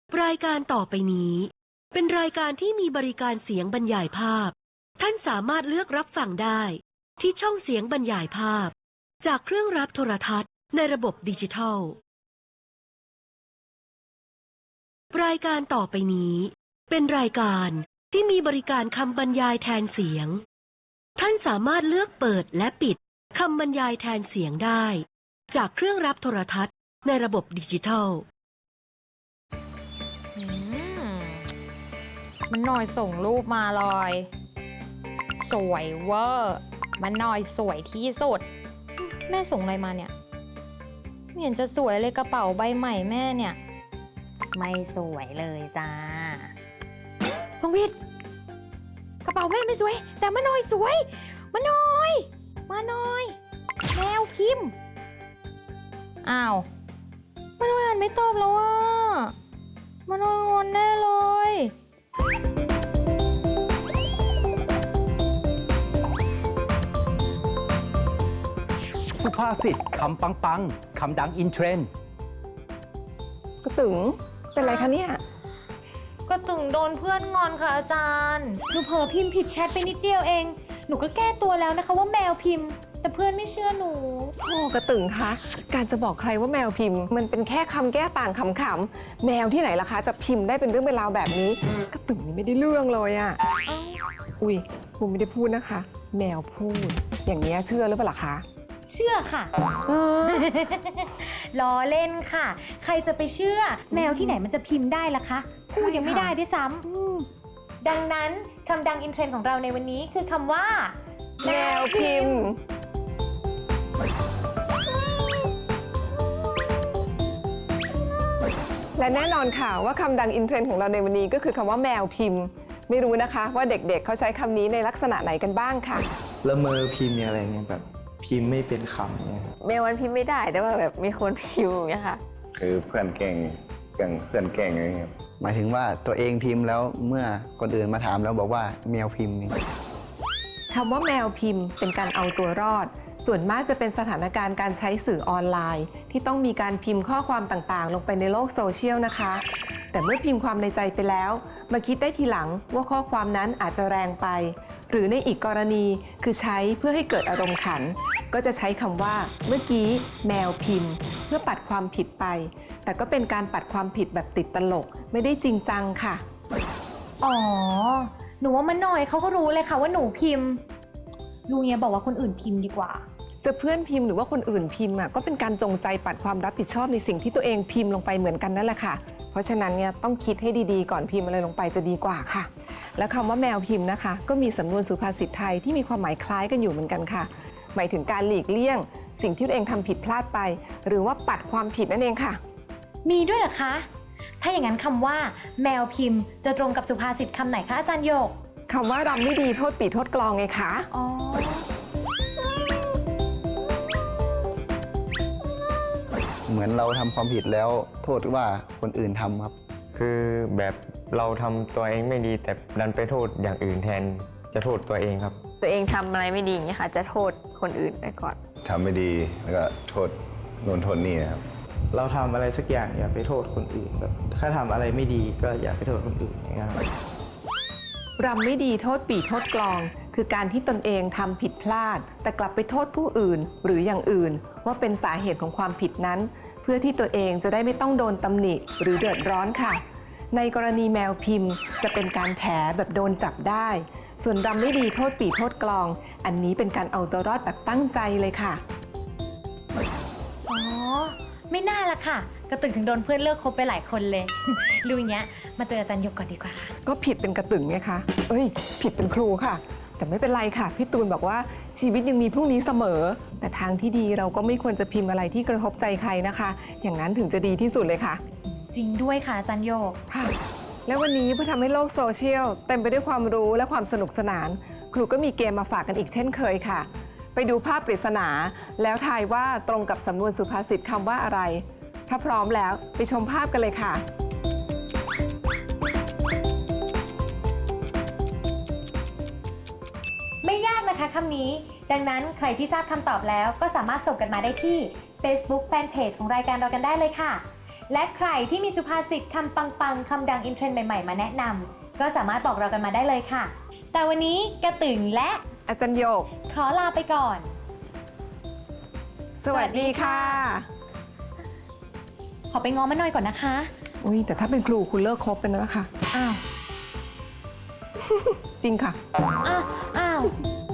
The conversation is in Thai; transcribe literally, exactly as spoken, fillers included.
รายการต่อไปนี้เป็นรายการที่มีบริการเสียงบรรยายภาพท่านสามารถเลือกรับฟังได้ที่ช่องเสียงบรรยายภาพจากเครื่องรับโทรทัศน์ในระบบดิจิทัลรายการต่อไปนี้เป็นรายการที่มีบริการคำบรรยายแทนเสียงท่านสามารถเลือกเปิดและปิดคำบรรยายแทนเสียงได้จากเครื่องรับโทรทัศน์ในระบบดิจิทัลมันหน่อยส่งรูปมาลอยสวยเวอร์มันหน่อยสวยที่สุดแม่ส่งอะไรมาเนี่ยไม่เห็นจะสวยเลยกระเป๋าใบใหม่แม่เนี่ยไม่สวยเลยจ้าสงวิทย์กระเป๋าแม่ไม่สวยแต่มันหน่อยสวยมันหน่อยมาหน่อยแมวพิมพ์อ้าวมันหน่อยอ่านไม่ตอบแล้วอ่ะมันหน่อยงอนแน่เลยสุภาษิตคำปังปังคำดังอินเทรนด์กระตึงเป็นไรคะเนี่ยก็ตึงโดนเพื่อนงอนค่ะอาจารย์หนูเผลอพิมพ์ผิดแชทไปนิดเดียวเองหนูก็แก้ตัวแล้วนะคะว่าแมวพิมพ์แต่เพื่อนไม่เชื่อหนูโอ้กระตึงคะการจะบอกใครว่าแมวพิมพ์มันเป็นแค่คำแก้ต่างขำๆแมวที่ไหนล่ะคะจะพิมพ์ได้เป็นเรื่องเป็นราวแบบนี้กระตึงนี่ไม่ได้เรื่องเลยอ่ะอุ้ยผมไม่ได้พูดนะคะแมวพูดอย่างนี้เชื่อหรือเปล่าคะเชื่อค่ะล้อเล่นค่ะใครจะไปเชื่อแมวที่ไหนมันจะพิมพ์ได้ล่ะคะพูดยังไม่ได้ด้วยซ้ำดังนั้นคำดังอินเทรนด์ของเราในวันนี้คือคำว่าแมวพิมพ์และแน่นอนค่ะว่าคำดังอินเทรนด์ของเราในวันนี้ก็คือคำว่าแมวพิมพ์ไม่รู้นะคะว่าเด็กๆ เเขาใช้คำนี้ในลักษณะไหนกันบ้างค่ะละเมอพิมพ์อะไรเงี้ยแบบพิมพ์ไม่เป็นคำเนี่ยเมลมันพิมพ์ไม่ได้แต่ว่าแบบมีคนพิมพ์อย่างเงี้ยค่ะคือเพื่อนเก่งเก่งเพื่อนเก่งอะไรเงี้ยหมายถึงว่าตัวเองพิมพ์แล้วเมื่อคนอื่นมาถามแล้วบอกว่าแมวพิมพ์นี่คำว่าแมวพิมพ์เป็นการเอาตัวรอดส่วนมากจะเป็นสถานการณ์การใช้สื่อออนไลน์ที่ต้องมีการพิมพ์ข้อความต่างๆลงไปในโลกโซเชียลนะคะแต่เมื่อพิมพ์ความในใจไปแล้วมาคิดได้ทีหลังว่าข้อความนั้นอาจจะแรงไปหรือในอีกกรณีคือใช้เพื่อให้เกิดอารมณ์ขันก็จะใช้คำว่าเมื่อกี้แมวพิมพ์เพื่อปัดความผิดไปแต่ก็เป็นการปัดความผิดแบบติดตลกไม่ได้จริงจังค่ะอ๋อหนูว่ามันหน่อยเขาก็รู้เลยค่ะว่าหนูพิมพ์ลุงเนี้ยบอกว่าคนอื่นพิมพ์ดีกว่าจะเพื่อนพิมพ์หรือว่าคนอื่นพิมพ์อ่ะก็เป็นการจงใจปัดความรับผิดชอบในสิ่งที่ตัวเองพิมพ์ลงไปเหมือนกันนั่นแหละค่ะเพราะฉะนั้นเนี่ยต้องคิดให้ดีๆก่อนพิมพ์อะไรลงไปจะดีกว่าค่ะและคำว่าแมวพิมพ์นะคะก็มีสำนวนสุภาษิตไทยที่มีความหมายคล้ายกันอยู่เหมือนกันค่ะหมายถึงการหลีกเลี่ยงสิ่งที่ตัวเองทำผิดพลาดไปหรือว่าปัดความผิดนั่นเองค่ะมีด้วยเหรอคะถ้าอย่างนั้นคำว่าแมวพิมพ์จะตรงกับสุภาษิตคำไหนคะอาจารย์โยกคำว่ารำไม่ดีโทษปีโทษกลองไงคะอ๋อเหมือนเราทำความผิดแล้วโทษว่าคนอื่นทำครับคือแบบเราทำตัวเองไม่ดีแต่ดันไปโทษอย่างอื่นแทนจะโทษตัวเองครับตัวเองทำอะไรไม่ดีอย่างเงี้ยค่ะจะโทษคนอื่นไปก่อนทำไม่ดีแล้วก็โทษโน่นโทษนี่นะครับเราทำอะไรสักอย่างอย่าไปโทษคนอื่นแบบถ้าทำอะไรไม่ดีก็อย่าไปโทษคนอื่นนะครับรำไม่ดีโทษปีโทษกลองคือการที่ตนเองทำผิดพลาดแต่กลับไปโทษผู้อื่นหรืออย่างอื่นว่าเป็นสาเหตุของความผิดนั้นเพื่อที่ตัวเองจะได้ไม่ต้องโดนตำหนิหรือเดือดร้อนค่ะในกรณีแมวพิมพ์จะเป็นการแถแบบโดนจับได้ส่วนรำไม่ดีโทษปีโทษกลองอันนี้เป็นการเอาตัวรอดแบบตั้งใจเลยค่ะอ๋อไม่น่าละค่ะกระตึงถึงโดนเพื่อนเลิกคบไปหลายคนเลยลุงเนี้ยมาเจออาจารย์ยกก่อนดีกว่าค่ะก็ผิดเป็นกระตึงไงคะเอ้ยผิดเป็นครูค่ะแต่ไม่เป็นไรค่ะพี่ตูนบอกว่าชีวิตยังมีพรุ่งนี้เสมอแต่ทางที่ดีเราก็ไม่ควรจะพิมพ์อะไรที่กระทบใจใครนะคะอย่างนั้นถึงจะดีที่สุดเลยค่ะจริงด้วยค่ะอาจารย์โยกค่ะและวันนี้เพื่อทำให้โลกโซเชียลเต็มไปด้วยความรู้และความสนุกสนานครูก็มีเกมมาฝากกันอีกเช่นเคยค่ะไปดูภาพปริศนาแล้วทายว่าตรงกับสำนวนสุภาษิตคำว่าอะไรถ้าพร้อมแล้วไปชมภาพกันเลยค่ะไม่ยากนะคะคำนี้ดังนั้นใครที่ทราบคำตอบแล้วก็สามารถส่งกันมาได้ที่ Facebook Fanpage ของรายการเรากันได้เลยค่ะและใครที่มีสุภาษิตคำปังๆคำดังอินเทรนด์ใหม่ๆมาแนะนำก็สามารถบอกเรากันมาได้เลยค่ะ แต่วันนี้กระตึงและอาจารย์โยกขอลาไปก่อนสวัสดีค่ะขอไปง้อมันหน่อยก่อนนะคะอุ้ยแต่ถ้าเป็นครูคุณเลิกคบไปแล้วนะคะอ้าวจริงค่ะอ้าว อ้าว